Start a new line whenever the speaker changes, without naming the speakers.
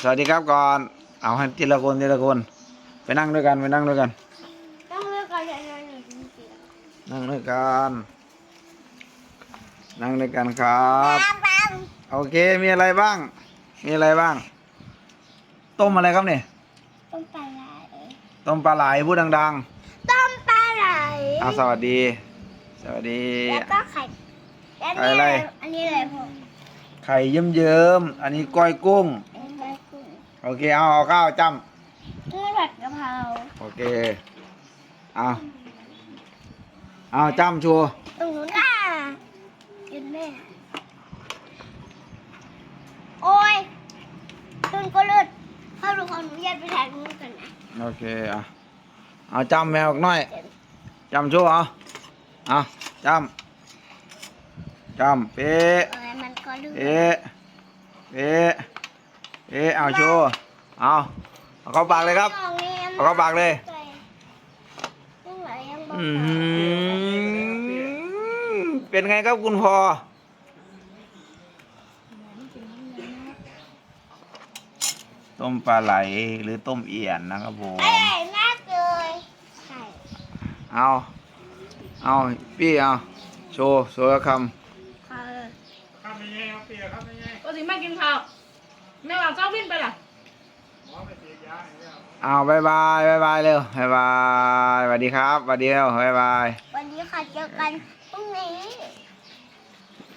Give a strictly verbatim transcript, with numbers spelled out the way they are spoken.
สวัสดีครับก่อนเอาให้ทีละคนทีละคนไปนั่งด้วยกันไปนั่งด้วยกัน
นั่งด้วยกันเลยหนึ่งจริง
นั่งด้วยกันนั่งด้วยกันครับ
ๆปัง
โอเคมีอะไรบ้าง มีอะไรบ้าง ต้มอะไรครับเนี่ย
ต้มปลาไหล
ต้มปลาไหลพูดดัง
ต้มปลาไหล
ๆเอาสวัสดี สวัสดี
แล้วก็ไข่แล้ว
ไข่อะไร
อันนี้อะไรพ่อ
ไข่เยิ้มๆอันนี้ก้อยกุ้ง
อันนี้ไก่กุ้ง
โอเคเอาเอาข้าวจ้
นี่ผัดกะเพรา
ำโอเคเอาเอาจ้ำชัว
ตรงนู้นอ่ะยืนแม่โอ้ยตุนก็เลือดเข้าดูขออนุญาตไปถ่ายรูปกันนะ
โอเคอ่ะเอาจ้ำแมวอีกหน่อยจ้ำชัวเอาเอาจ้ำจ้ำเป๊ะ
เอ้ยมันก็เลือด
เอ๊ะเอ๊ะเอ๊ะเอาโชว์เอาเอาเข้าปากเลยครับ เอาเข้าปากเลย
ยังไหลยังบอก
อืมเป็นไงครับคุณพ่อต้มปลาไหลหรือต้มเอี่ยนนะครับผม
อร่อยมากเลยไข่
เอาเอาพี่เอาโชว์โชว์ค
ค่ะ
ข้ามไปไงครับเปียครับไปไง
ก็สิไม่กินข้าวแม่ว่าเจ้าวินไปล่ะ
หมอไปเสียยาให้แล้ว
ำเอาบายบายบายบายเร็วบายบายสวัสดีครับสวัสดีเร็วบายบาย
วันนี้ค่ะเจอกันพรุ่งนี้